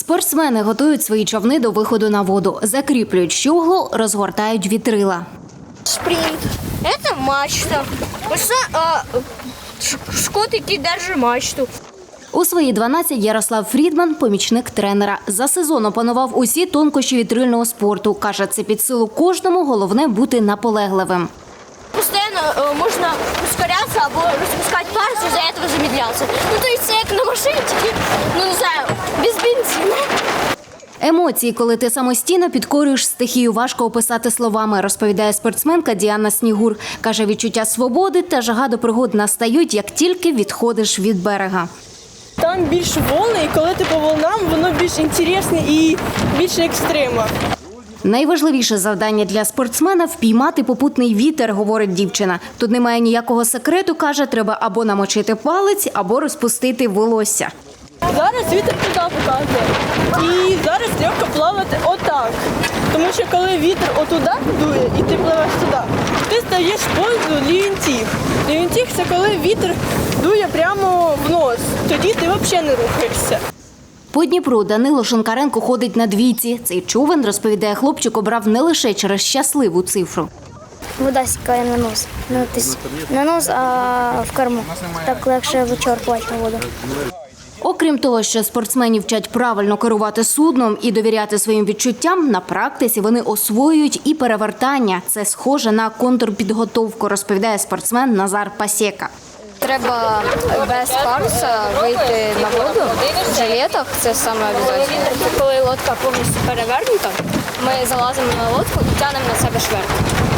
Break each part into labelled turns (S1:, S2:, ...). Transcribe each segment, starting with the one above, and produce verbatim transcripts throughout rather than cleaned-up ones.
S1: Спортсмени готують свої човни до виходу на воду, закріплюють щоглу, розгортають вітрила.
S2: Спринт – це мачта. Ось а, шкот, який держить мачту.
S1: У свої дванадцять Ярослав Фрідман – помічник тренера. За сезон опанував усі тонкощі вітрильного спорту. Каже, це під силу кожному, головне бути наполегливим.
S2: Постійно можна ускорятися або розпускати парус, і за цього замедлятися. Ну, то це як на машині, тільки, ну, не знаю, без бензину.
S1: Емоції, коли ти самостійно підкорюєш стихію, важко описати словами, розповідає спортсменка Діана Снігур. Каже, відчуття свободи та жага до пригод настають, як тільки відходиш від берега.
S3: Там більш волни, і коли ти по волнам, воно більш інтересне і більше екстрима.
S1: Найважливіше завдання для спортсмена – впіймати попутний вітер, говорить дівчина. Тут немає ніякого секрету, каже, треба або намочити палець, або розпустити волосся.
S3: Зараз вітер туди показує. І зараз легко плавати отак. Тому що коли вітер отуда дує і ти пливеш туди, ти стаєш в позу лівінтіг. Лівінтіг – це коли вітер дує прямо в нос. Тоді ти взагалі не рухаєшся.
S1: По Дніпру Данило Шинкаренко ходить на двійці. Цей човен, розповідає хлопчик, обрав не лише через щасливу цифру.
S4: Вода стікає на нос. На нос, а в корму. Так легше вичерпувати на воду.
S1: Окрім того, що спортсменів вчать правильно керувати судном і довіряти своїм відчуттям, на практиці вони освоюють і перевертання. Це схоже на контрпідготовку, розповідає спортсмен Назар Пасєка.
S5: Треба без паруса вийти на воду в жилетах, це саме обов'язково. Коли лодка повністю перевернута, ми залазимо на лодку і тягнемо на себе шверт.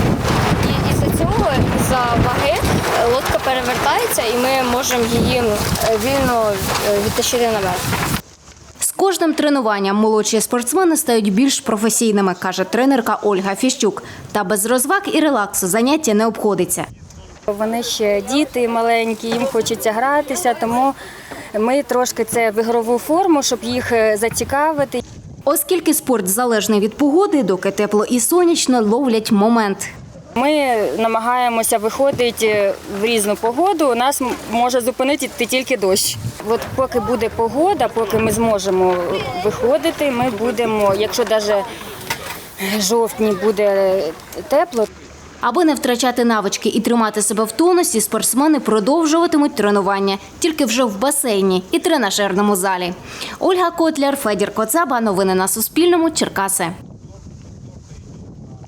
S5: І із-за цього, із-за ваги, лодка перевертається і ми можемо її вільно відтащити наверх.
S1: З кожним тренуванням молодші спортсмени стають більш професійними, каже тренерка Ольга Фіщук. Та без розваг і релаксу заняття не обходиться.
S6: Вони ще діти маленькі, їм хочеться гратися, тому ми трошки це в ігрову форму, щоб їх зацікавити.
S1: Оскільки спорт залежний від погоди, доки тепло і сонячно, ловлять момент.
S6: Ми намагаємося виходити в різну погоду, нас може зупинити тільки дощ. От поки буде погода, поки ми зможемо виходити, ми будемо, якщо навіть в жовтні буде тепло.
S1: Аби не втрачати навички і тримати себе в тонусі, спортсмени продовжуватимуть тренування, тільки вже в басейні і тренажерному залі. Ольга Котляр, Федір Коцаба. Новини на Суспільному. Черкаси.